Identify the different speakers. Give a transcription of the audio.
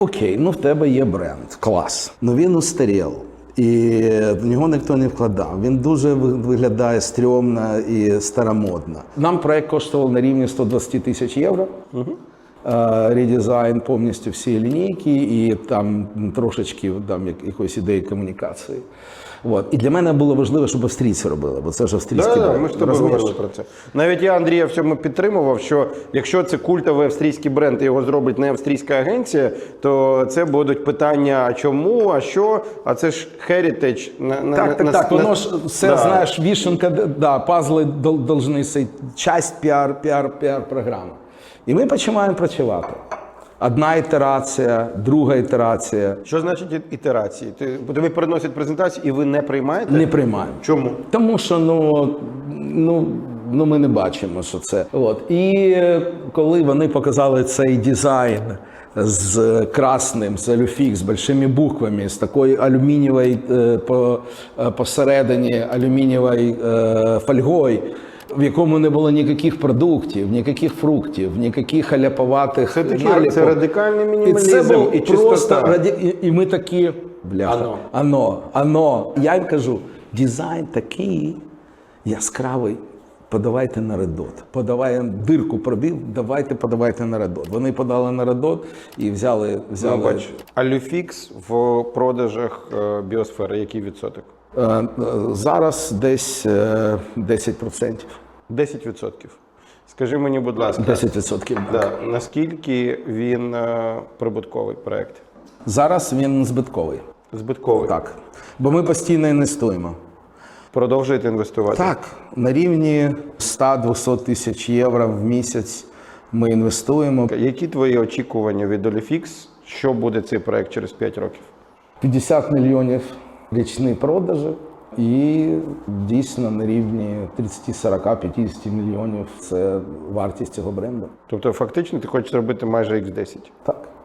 Speaker 1: Окей, ну в тебе є бренд, клас. Ну він устарів. І в нього ніхто не вкладав. Він дуже виглядає стрьомно і старомодно. Нам проект коштував на рівні 120 тисяч євро. Редизайн повністю всі лінійки і там трошечки там, якоїсь ідеї комунікації. От. І для мене було важливо, щоб австрійці робили, бо це ж австрійський бренд.
Speaker 2: Ми ж тобі говорили про це. Навіть я Андрія в цьому підтримував, що якщо це культовий австрійський бренд і його зробить не австрійська агенція, то це будуть питання, а чому, а що, а це ж heritage.
Speaker 1: Так, воно ж все, знаєш, вішенка, пазли должны сей, часть піар-програми. І ми починаємо працювати. Одна ітерація, друга ітерація.
Speaker 2: Що значить ітерації? Тобі приносять презентацію і ви не приймаєте?
Speaker 1: Не приймаємо.
Speaker 2: Чому?
Speaker 1: Тому що ми не бачимо, що це. От. І коли вони показали цей дизайн з красним, з алюфік, з великими буквами, з такою алюмінієвою посередині алюмінієвою фольгою, в якому не було ніяких продуктів, ніяких фруктів, ніяких аляповатих наліпок.
Speaker 2: Це радикальний мінімалізм
Speaker 1: і це був
Speaker 2: і чистота.
Speaker 1: І ми такі, бляха, ано. Я їм кажу, дизайн такий яскравий, подавайте на Red Dot. Дирку пробив, подавайте на Red Dot. Вони подали на Red Dot і взяли...
Speaker 2: Бач, Алюфікс в продажах біосфери, який відсоток?
Speaker 1: Зараз десь 10%.
Speaker 2: 10%. Скажи мені, будь ласка,
Speaker 1: 10%.
Speaker 2: наскільки він прибутковий проєкт?
Speaker 1: Зараз він збитковий.
Speaker 2: Збитковий?
Speaker 1: Так. Бо ми постійно інвестуємо.
Speaker 2: Продовжуєте інвестувати?
Speaker 1: Так. На рівні 100-200 тисяч євро в місяць ми інвестуємо.
Speaker 2: Які твої очікування від Olifix? Що буде цей проєкт через 5 років?
Speaker 1: 50 мільйонів річні продажі і дійсно на рівні 30, 40, 50 мільйонів – це вартість цього бренду.
Speaker 2: Тобто фактично ти хочеш зробити майже X10?
Speaker 1: Так.